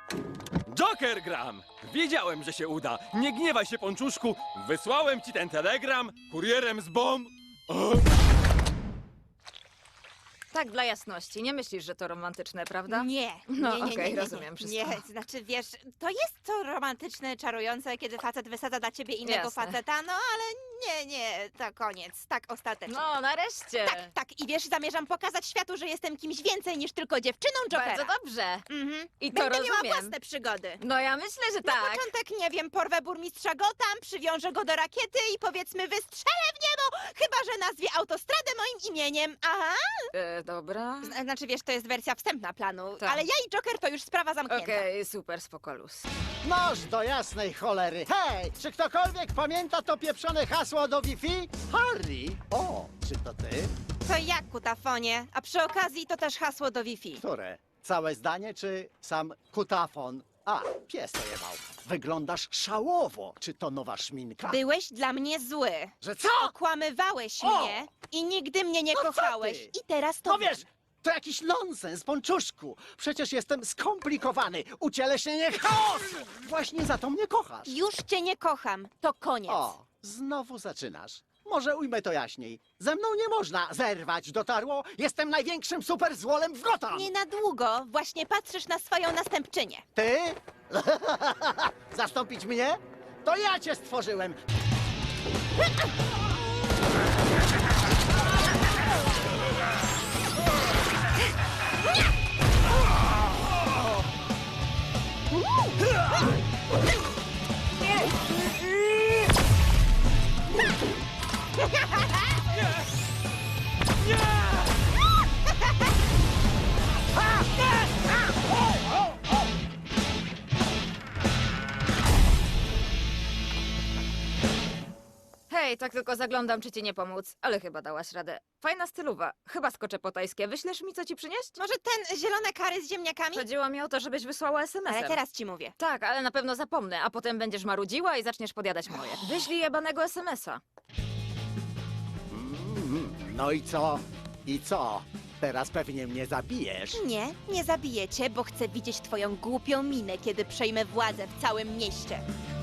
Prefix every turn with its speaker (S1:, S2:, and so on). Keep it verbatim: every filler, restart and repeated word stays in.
S1: Joker gram! Wiedziałem, że się uda. Nie gniewaj się, Ponczuszku. Wysłałem ci ten telegram kurierem z bomb. O!
S2: Tak, dla jasności. Nie myślisz, że to romantyczne, prawda?
S3: Nie,
S2: No,
S3: nie, nie, nie,
S2: okej,
S3: nie, nie,
S2: rozumiem wszystko.
S3: Nie, znaczy wiesz, to jest to romantyczne, czarujące, kiedy facet wysadza dla ciebie innego
S2: Jasne.
S3: faceta, no ale nie, nie, to koniec, tak ostatecznie.
S2: No, nareszcie.
S3: Tak, tak, i wiesz, zamierzam pokazać światu, że jestem kimś więcej niż tylko dziewczyną Jokera.
S2: Bardzo dobrze.
S3: Mhm.
S2: I to
S3: Będę miała
S2: rozumiem.
S3: własne przygody.
S2: No ja myślę, że
S3: Na
S2: tak.
S3: początek, nie wiem, porwę burmistrza Gotham, przywiążę go do rakiety i powiedzmy wystrzelę w niebo, chyba że nazwie autostradę moim imieniem. Aha.
S2: E, dobra.
S3: Z- Znaczy, wiesz, to jest wersja wstępna planu,
S2: Tak.
S3: ale ja i Joker to już sprawa zamknięta.
S2: Okej, super, spoko luz.
S4: Noż do jasnej cholery. Hej, czy ktokolwiek pamięta to pieprzone hasło do Wi-Fi? Harry! O, czy to ty?
S3: To jak, kutafonie? A przy okazji to też hasło do Wi-Fi.
S4: Które? Całe zdanie czy sam kutafon? A, pies to jebał. Wyglądasz szałowo. Czy to nowa szminka?
S3: Byłeś dla mnie zły.
S4: Że co?
S3: Okłamywałeś
S4: O!
S3: mnie i nigdy mnie nie
S4: No co
S3: kochałeś.
S4: ty?
S3: I teraz to
S4: No
S3: wiem.
S4: wiesz, to jakiś nonsens, Ponczuszku. Przecież jestem skomplikowany. Ucieleśnienie chaosu. Właśnie za to mnie kochasz.
S3: Już cię nie kocham. To koniec.
S4: O, znowu zaczynasz. Może ujmę to jaśniej. Ze mną nie można zerwać, dotarło? Jestem największym superzłolem w Gotham!
S3: Nie na długo. Właśnie patrzysz na swoją następczynię.
S4: Ty? Zastąpić mnie? To ja cię stworzyłem!
S2: Hej, tak tylko zaglądam, czy ci nie pomóc, ale chyba dałaś radę. Fajna stylowa. Chyba skoczę po tajskie. Wyślesz mi, co ci przynieść?
S3: Może ten zielone kary z ziemniakami?
S2: Chodziło mi o to, żebyś wysłała es em esem.
S3: Ale teraz ci mówię.
S2: Tak, ale na pewno zapomnę, a potem będziesz marudziła i zaczniesz podjadać moje. Wyślij jebanego es em esa.
S4: Mm, no i co? I co? Teraz pewnie mnie zabijesz.
S3: Nie, nie zabiję cię, bo chcę widzieć twoją głupią minę, kiedy przejmę władzę w całym mieście.